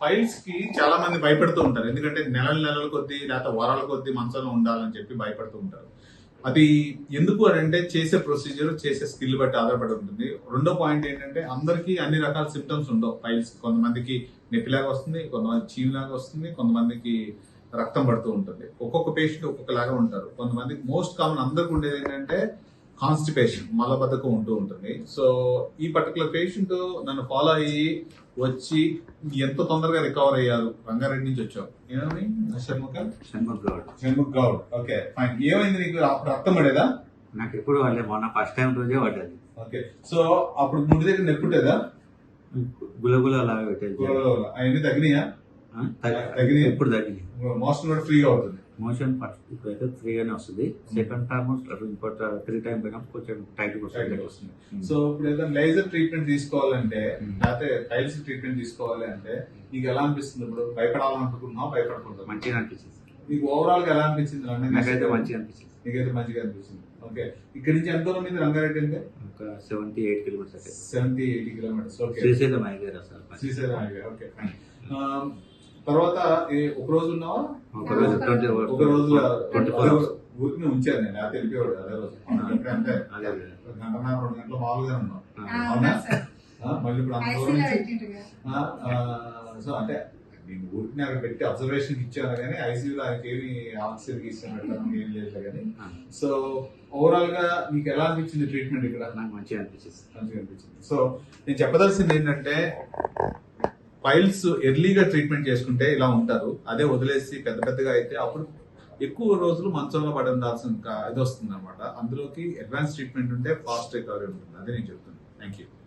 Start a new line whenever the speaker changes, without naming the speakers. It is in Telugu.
ఫైల్స్ కి చాలా మంది భయపడుతూ ఉంటారు. ఎందుకంటే నెలల కొద్దీ లేకపోతే వారాల కొద్దీ మంచంలో ఉండాలని చెప్పి భయపడుతూ ఉంటారు. అది ఎందుకు అని అంటే చేసే ప్రొసీజర్, చేసే స్కిల్ బట్టి ఆధారపడి ఉంటుంది. రెండో పాయింట్ ఏంటంటే అందరికీ అన్ని రకాల సిమ్టమ్స్ ఉండవు ఫైల్స్. కొంతమందికి నొప్పిలాగా వస్తుంది, కొంతమంది చీవులాగా వస్తుంది, కొంతమందికి రక్తం పడుతూ ఉంటుంది. ఒక్కొక్క పేషెంట్ ఒక్కొక్కలాగా ఉంటారు. కొంతమందికి మోస్ట్ కామన్ అందరికి ఉండేది ఏంటంటే కాన్స్టిపేషన్, మలబద్ధకం ఉంటూ ఉంటుంది. సో ఈ పర్టికులర్ పేషెంట్ నన్ను ఫాలో అయ్యి వచ్చి ఎంతో తొందరగా రికవర్ అయ్యారు. రంగారెడ్డి నుంచి వచ్చావు. ఏమని? షణ్ముఖ్ గౌడ్. Okay, fine. ఏమైంది నీకు? అప్పుడు రక్తం పడేదా?
నాకు ఎప్పుడు వాళ్ళే మొన్న ఫస్ట్ టైం రోజే పడ్డది.
ఓకే, సో అప్పుడు ముందు దగ్గర నెప్పుంటేదా?
గులగుల అలాగే పెట్టేది.
అవన్నీ తగ్గినాయా?
తగ్గినాయి, ఎప్పుడు తగ్గినాయి.
మోషన్ కూడా ఫ్రీగా అవుతుంది.
మోషన్ ఫస్ట్ ఇప్పుడైతే ఫ్రీగానే వస్తుంది. సెకండ్ టైం ఇంకోటి 3 టైం పోయినప్పుడు కొంచెం టైట్ వస్తుంది.
సో ఇప్పుడు ఏదైనా లేజర్ ట్రీట్మెంట్ తీసుకోవాలంటే లేకపోతే టైల్స్ ట్రీట్మెంట్ తీసుకోవాలి అంటే నీకు ఎలా అనిపిస్తుంది? ఇప్పుడు భయపడాలనుకుంటున్నావు, భయపడకూడదు?
మంచిగా అనిపిస్తుంది.
నీకు ఓవరాల్ గా ఎలా అనిపించింది?
నాకైతే మంచిగా అనిపించింది.
నీకైతే మంచిగా అనిపించింది. ఓకే, ఇక్కడ నుంచి ఎంత దూరం ఉంది రంగారెడ్డి అంటే?
ఒక 78 kilometres.
70-80 kilometres. Okay,
Srisailam highway అసలు.
శ్రీశైలం హైవే. Okay, fine. తర్వాత ఒక రోజు ఉన్నావా?
ఒక రోజు
ఒక రోజు ఊరికి ఉంచాను నేను. లేకపోతే వెళ్ళిపోయాడు అదే రోజు. అంటే గంటన్నర 2 గంటలు మామూలుగా ఉన్నాం. అవునా? మళ్ళీ ఇప్పుడు అంత దూరం నుంచి సో అంటే నేను ఊరికి అక్కడ పెట్టి అబ్జర్వేషన్ ఇచ్చాను కానీ ఐసీయూలో ఆయనకి ఏమి ఆక్సిజన్ ఇస్తాను పెట్టడం ఏం లేదు కానీ. సో ఓవరాల్ గా నీకు ఎలా అనిపించింది ట్రీట్మెంట్ ఇక్కడ?
నాకు మంచిగా అనిపించింది.
సో నేను చెప్పదలసింది ఏంటంటే ఫైల్స్ ఎర్లీగా ట్రీట్మెంట్ చేసుకుంటే ఇలా ఉంటారు. అదే వదిలేసి పెద్దగా అయితే అప్పుడు ఎక్కువ రోజులు మంచంలో పడాల్సిన ఇది వస్తుంది అనమాట. అందులోకి అడ్వాన్స్ ట్రీట్మెంట్ ఉంటే ఫాస్ట్ రికవరీ ఉంటుంది. అదే నేను చెప్తున్నాను. Thank you.